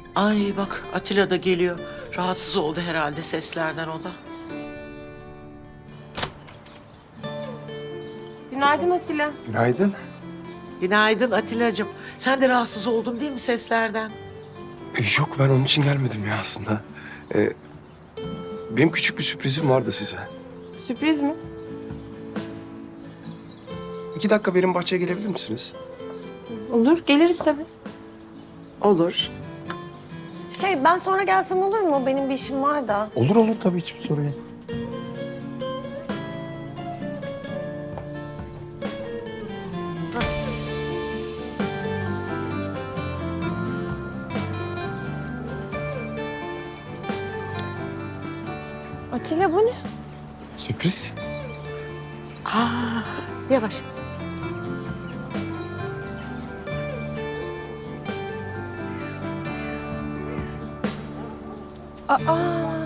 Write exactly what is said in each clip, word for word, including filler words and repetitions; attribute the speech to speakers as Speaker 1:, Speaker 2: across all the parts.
Speaker 1: Ay bak Atilla da geliyor. Rahatsız oldu herhalde seslerden o da.
Speaker 2: Günaydın Atilla.
Speaker 3: Günaydın.
Speaker 1: Günaydın Atilla'cığım. Sen de rahatsız oldun değil mi seslerden?
Speaker 3: Ee, Yok ben onun için gelmedim ya aslında. Ee, benim küçük bir sürprizim vardı size.
Speaker 2: Sürpriz mi?
Speaker 3: İki dakika benim bahçeye gelebilir misiniz?
Speaker 2: Olur, geliriz tabii.
Speaker 1: Olur.
Speaker 4: Şey ben sonra gelsem olur mu? Benim bir işim var da.
Speaker 3: Olur olur tabii hiçbir sorun yok.
Speaker 2: Atilla bu ne?
Speaker 3: Sürpriz.
Speaker 1: Aa, yavaş.
Speaker 2: Aa.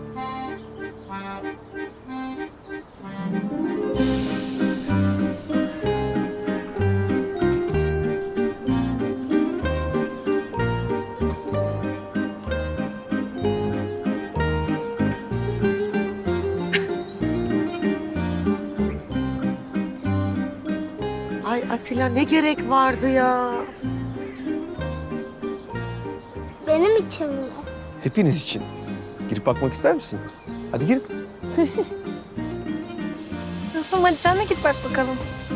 Speaker 1: Ay Atilla ne gerek vardı ya?
Speaker 5: Benim için mi?
Speaker 3: Hepiniz için. Girip bakmak ister misin? Hadi girin.
Speaker 2: Nasıl? Hadi sen de git bak bakalım.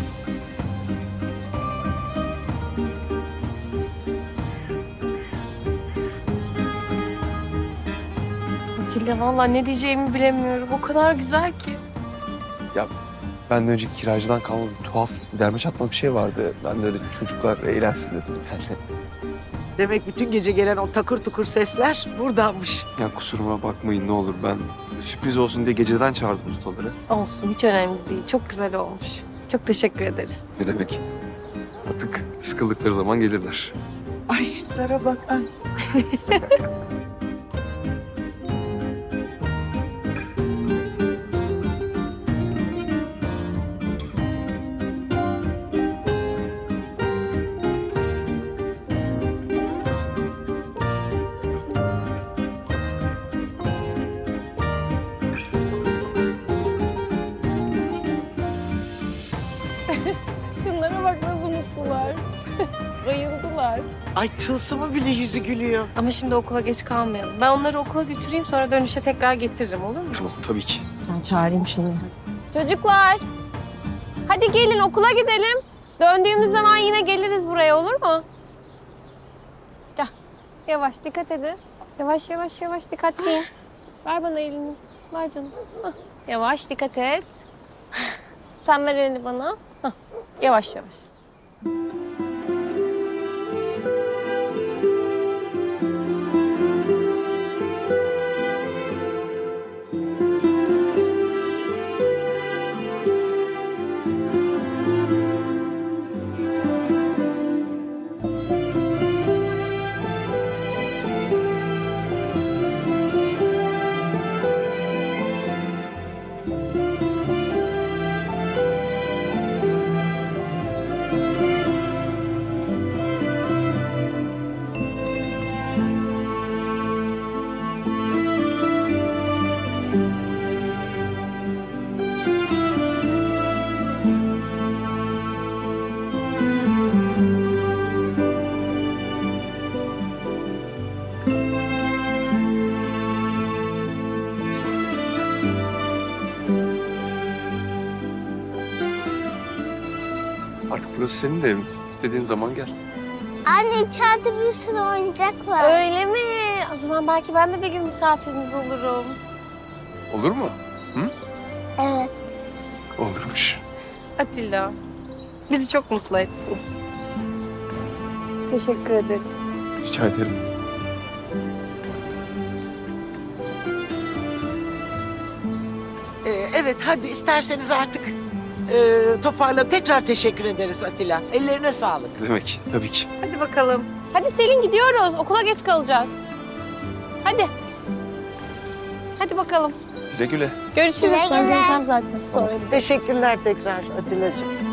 Speaker 2: Atilla vallahi ne diyeceğimi bilemiyorum. O kadar güzel ki.
Speaker 3: Ya benden önceki kiracıdan kalma bir tuhaf derme çatma bir şey vardı. Ben de öyle çocuklar eğlensin dedim yani.
Speaker 1: Demek bütün gece gelen o takır tukur sesler buradanmış.
Speaker 3: Ya kusuruma bakmayın ne olur ben sürpriz olsun diye geceden çağırdım ustaları.
Speaker 2: Olsun, hiç önemli değil. Çok güzel olmuş. Çok teşekkür ederiz.
Speaker 3: Ne demek? Artık sıkıldıkları zaman gelirler.
Speaker 1: Ay şunlara bak. Ay.
Speaker 2: Şunlara bak nasıl mutlular. Bayıldılar.
Speaker 1: Ay tılsımı bile yüzü gülüyor.
Speaker 2: Ama şimdi okula geç kalmayalım. Ben onları okula götüreyim, sonra dönüşte tekrar getiririm, olur mu?
Speaker 3: Tamam tabii ki.
Speaker 2: Ben çağırayım şunu. Çocuklar, hadi gelin okula gidelim. Döndüğümüz zaman yine geliriz buraya, olur mu? Gel, yavaş dikkat edin. Yavaş yavaş yavaş dikkatliyim. Ver bana elini. Ver canım. Hah. Yavaş dikkat et. Sen ver elini bana. Hah. Yavaş yavaş.
Speaker 3: Artık burası senin de evin. İstediğin zaman gel.
Speaker 5: Anne içeride bir sürü oyuncak var.
Speaker 2: Öyle mi? O zaman belki ben de bir gün misafiriniz olurum.
Speaker 3: Olur mu?
Speaker 5: Evet.
Speaker 3: Olurmuş.
Speaker 2: Atilla, bizi çok mutlu ettin. Teşekkür ederiz.
Speaker 3: Rica ederim.
Speaker 1: Ee, evet hadi isterseniz artık e, toparla. Tekrar teşekkür ederiz Atilla. Ellerine sağlık.
Speaker 3: Ne demek? Tabii ki.
Speaker 2: Hadi bakalım. Hadi Selin gidiyoruz. Okula geç kalacağız. Hadi. Hadi bakalım.
Speaker 3: Güle güle.
Speaker 2: Görüşürüz.
Speaker 5: Güle
Speaker 2: Ben
Speaker 5: güle.
Speaker 2: geleceğim zaten. Sonra gideriz.
Speaker 1: Teşekkürler tekrar Atilla'cığım.